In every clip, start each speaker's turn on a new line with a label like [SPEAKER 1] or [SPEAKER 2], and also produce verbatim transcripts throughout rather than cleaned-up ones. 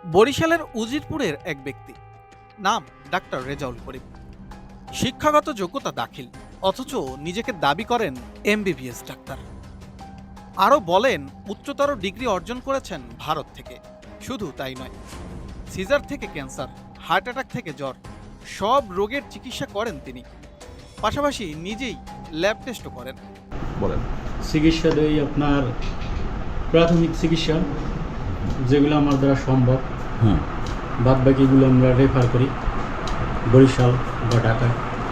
[SPEAKER 1] বরিশালের উজিরপুরের এক ব্যক্তি, নাম ডাক্তার রেজাউল করিম। শিক্ষাগত যোগ্যতা দাখিল, অথচ নিজেকে দাবি করেন এমবিবিএস ডাক্তার। আরও বলেন উচ্চতর ডিগ্রি অর্জন করেছেন ভারত থেকে। শুধু তাই নয়, সিজার থেকে ক্যান্সার, হার্ট অ্যাটাক থেকে জ্বর, সব রোগের চিকিৎসা করেন তিনি। পাশাপাশি নিজেই ল্যাব টেস্টও করেন।
[SPEAKER 2] বলেন।
[SPEAKER 3] চিকিৎসা দেই আপনার প্রাথমিক চিকিৎসা যেগুলো আমার দ্বারা সম্ভব,
[SPEAKER 2] হুম
[SPEAKER 3] বাদ বাকিগুলো আমরা রেফার করি বরিশাল বা ঢাকা।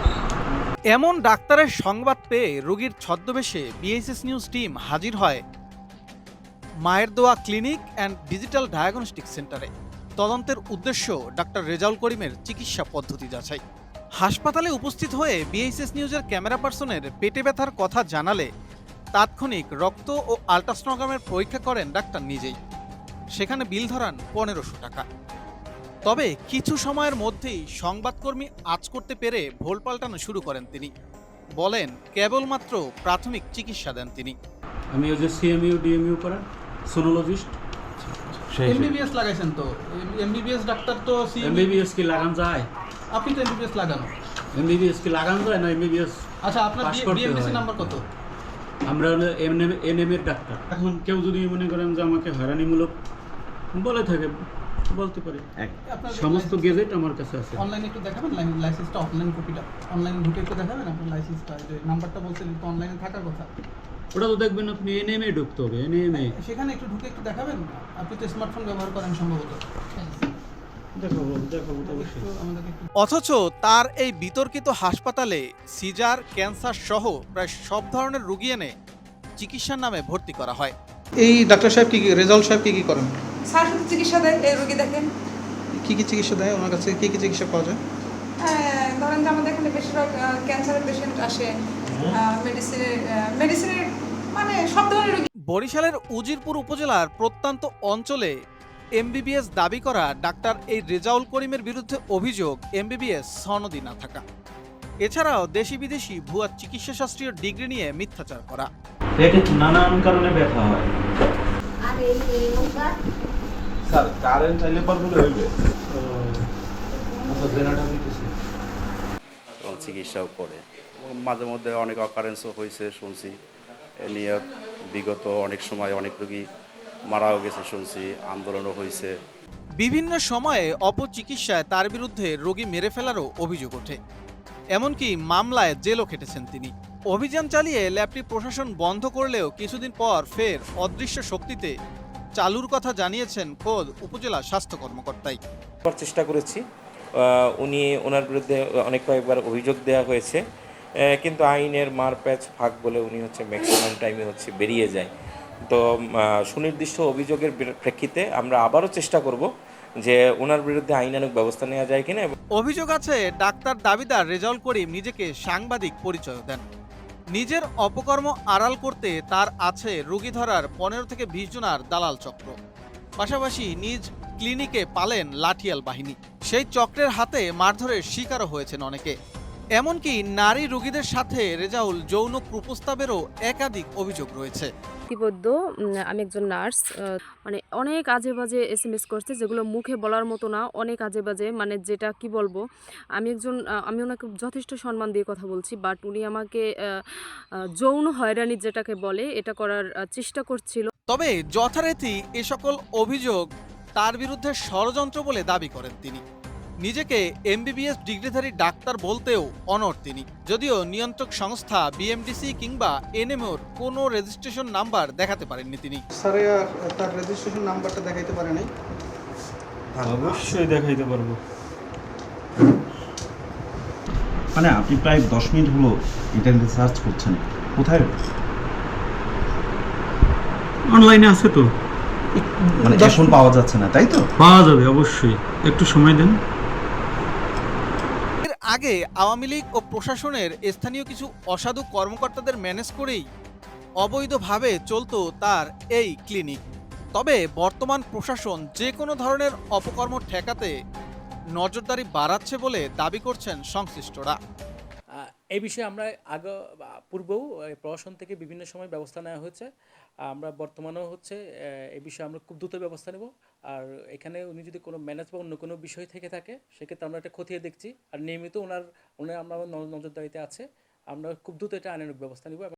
[SPEAKER 1] এমন ডাক্তারের সংবাদ পেয়ে রোগীর ছদ্মবেশে বিএসএস নিউজ টিম হাজির হয় মায়ের দোয়া ক্লিনিক অ্যান্ড ডিজিটাল ডায়াগনস্টিক সেন্টারে। তদন্তের উদ্দেশ্য ডাক্তার রেজাউল করিমের চিকিৎসা পদ্ধতি যাচাই। হাসপাতালে উপস্থিত হয়ে বিএসএস নিউজের ক্যামেরা পার্সনের পেটে ব্যথার কথা জানালে তাৎক্ষণিক রক্ত ও আল্ট্রাসনোগ্রামের পরীক্ষা করেন ডাক্তার নিজেই। সেখানে বিল ধরান পনেরোশো টাকা। তবে কিছু সময়ের মধ্যেই সংবাদকর্মী আঁচ করতে পেরে ভোল পাল্টানো শুরু করেন তিনি। বলেন কেবলমাত্র প্রাথমিক চিকিৎসা দেন তিনি।
[SPEAKER 3] আমি ওই যে সিএমইউ ডিএমইউ করা সোনোলজিস্ট।
[SPEAKER 4] এমবিবিএস লাগাইছেন তো? এমবিবিএস ডাক্তার তো
[SPEAKER 3] এমবিবিএস কি লাগান যায়?
[SPEAKER 4] আপনি তো এমবিবিএস লাগানো।
[SPEAKER 3] এমবিবিএস কি লাগান যায় না এমবিবিএস?
[SPEAKER 4] আচ্ছা, আপনার বিএমডিসি নাম্বার কত?
[SPEAKER 3] আমরা হলো এনএম এর ডাক্তার। এখন কেউ যদি মনে করেন যে আমাকে হয়রানিমূলক বলে থাকে, বলতে পারে। সমস্ত গেজেট আমার কাছে আছে।
[SPEAKER 4] অনলাইনে একটু দেখাবেন লাইসেন্সটা, অফলাইন কপিটা অনলাইনে ঢুকে একটু দেখাবেন আপনার লাইসেন্সটা। যে নাম্বারটা বলছিলেন তো অনলাইনে থাকার কথা,
[SPEAKER 3] ওটা তো দেখবেন আপনি এনএম এ ঢুকতে হবে। এনএম এ
[SPEAKER 4] সেখানে একটু ঢুকে একটু দেখাবেন। আপনি তো স্মার্টফোন ব্যবহার করেন সম্ভবত।
[SPEAKER 3] দেখাবো দেখাবো অবশ্যই।
[SPEAKER 4] আমাদেরকে একটু
[SPEAKER 1] অথচ তার এই বিতর্কিত হাসপাতালে সিজার, ক্যান্সার সহ প্রায় সব ধরনের রোগী এনে চিকিৎসার নামে ভর্তি করা হয়।
[SPEAKER 5] এই ডাক্তার সাহেব কি কি রেজাউল সাহেব কি কি করেন?
[SPEAKER 6] স্যার শুধু চিকিৎসা দেয়, এই রোগী দেখেন।
[SPEAKER 5] কি কি চিকিৎসা দেয় ওনার কাছে? কি কি চিকিৎসা পাওয়া যায়?
[SPEAKER 6] হ্যাঁ, ধরেন যে আমাদের এখানে বেশিরভাগ ক্যান্সারের পেশেন্ট আসে, মেডিসিনের মেডিসিনের মানে সব ধরনের রোগী।
[SPEAKER 1] বরিশালের উজিরপুর উপজেলার প্রত্যন্ত অঞ্চলে এমবিবিএস দাবি করা ডাক্তার এই রেজাউল করিমের বিরুদ্ধে অভিযোগ এমবিবিএস সনদি না থাকা, এছাড়াও দেশি বিদেশি ভুয়া চিকিৎসা শাস্ত্রীয় ডিগ্রি নিয়ে মিথ্যাচার করা।
[SPEAKER 3] পেটে নানান কারণে ব্যথা হয়।
[SPEAKER 2] স্যার কারেন্ট চাইলে পারবো হইবে।
[SPEAKER 7] এবং চিকিৎসাও করে। মাঝে মধ্যে অনেক অকারেন্সও হয়েছে শুনছি। এ নিয়ে বিগত অনেক সময় অনেক রোগী মারাও গেছে শুনছি, আন্দোলনও হয়েছে।
[SPEAKER 1] বিভিন্ন সময়ে অপচিকিৎসায় তার বিরুদ্ধে রোগী মেরে ফেলারও অভিযোগ ওঠে। এমনকি মামলায় জেলও খেটেছেন তিনি। অভিযান চালিয়ে ল্যাবটি প্রশাসন বন্ধ করলেও কিছুদিন পর ফের অদৃশ্য শক্তিতে চালুর কথা জানিয়েছেন খোদ উপজেলা স্বাস্থ্য কর্মকর্তাই।
[SPEAKER 8] করার চেষ্টা করেছি। উনি ওনার বিরুদ্ধে অনেক কয়েকবার অভিযোগ দেওয়া হয়েছে, কিন্তু আইনের মারপ্যাচ ফাঁক বলে উনি হচ্ছে ম্যাক্সিমাম টাইমে হচ্ছে বেরিয়ে যায়। তো সুনির্দিষ্ট অভিযোগের প্রেক্ষিতে আমরা আবারও চেষ্টা করব যে ওনার বিরুদ্ধে আইনানুগ ব্যবস্থা নেওয়া যায় কিনা।
[SPEAKER 1] অভিযোগ আছে ডাক্তার দাবিদার রেজাউল করিম নিজেকে সাংবাদিক পরিচয় দেন। নিজের অপকর্ম আড়াল করতে তার আছে রোগী ধরার পনেরো থেকে বিশ জনার দালাল চক্র। পাশাপাশি নিজ ক্লিনিকে পালেন লাঠিয়াল বাহিনী। সেই চক্রের হাতে মারধরের শিকারও হয়েছেন অনেকে। এমনকি নারী রোগীদের সাথে রেজাউল যৌন কুপ্রস্তাবেরও একাধিক অভিযোগ রয়েছে।
[SPEAKER 9] ইতিমধ্য আমি একজন নার্স, মানে অনেক আজে বাজে এস এম এস করছে যেগুলো মুখে বলার মতো না, অনেক আজে বাজে, মানে যেটা কি বলবো। আমি একজন আমি ওনাকে যথেষ্ট সম্মান দিয়ে কথা বলছি, বাট উনি আমাকে যৌন হয়রানি যেটাকে বলে এটা করার চেষ্টা করছিল।
[SPEAKER 1] তবে যথারীতি এ সকল অভিযোগ তার বিরুদ্ধে ষড়যন্ত্র বলে দাবি করেন তিনি। নিজেকে এমবিবিএস ডিগ্রিধারী ডাক্তার বলতেও অনড় তিনি, যদিও নিয়ন্ত্রক সংস্থা বিএমডিসি কিংবা এনএমওর কোনো রেজিস্ট্রেশন নাম্বার দেখাতে পারেননি তিনি।
[SPEAKER 5] স্যারে তার রেজিস্ট্রেশন নাম্বারটা দেখাইতে পারে নাই?
[SPEAKER 3] অবশ্যই দেখাইতে পারবো।
[SPEAKER 2] মানে আপনি প্রায় দশ মিনিট হলো ইন্টারনেটে সার্চ করছেন, কোথায়?
[SPEAKER 3] অনলাইনে আছে তো,
[SPEAKER 2] মানে এখন পাওয়া যাচ্ছে না, তাই তো?
[SPEAKER 3] পাওয়া যাবে অবশ্যই, একটু সময় দেন।
[SPEAKER 1] এর আগে আওয়ামী লীগ ও প্রশাসনের স্থানীয় কিছু অসাধু কর্মকর্তাদের ম্যানেজ করেই অবৈধভাবে চলতো তার এই ক্লিনিক। তবে বর্তমান প্রশাসন যে কোনো ধরনের অপকর্ম ঠেকাতে নজরদারি বাড়াচ্ছে বলে দাবি করছেন সংশ্লিষ্টরা।
[SPEAKER 10] এই বিষয়ে আমরা আগে পূর্বেও এই প্রশাসন থেকে বিভিন্ন সময় ব্যবস্থা নেওয়া হয়েছে। আমরা বর্তমানেও হচ্ছে আহ, এই বিষয়ে আমরা খুব দ্রুত ব্যবস্থা নেব। আর এখানে উনি যদি কোনো ম্যানেজ বা অন্য কোনো বিষয় থেকে থাকে সেক্ষেত্রে আমরা এটা খতিয়ে দেখছি। আর নিয়মিত ওনার ওনার আমরা নজরদারিতে আছে, আমরা খুব দ্রুত এটা আইনানুগ ব্যবস্থা নেব।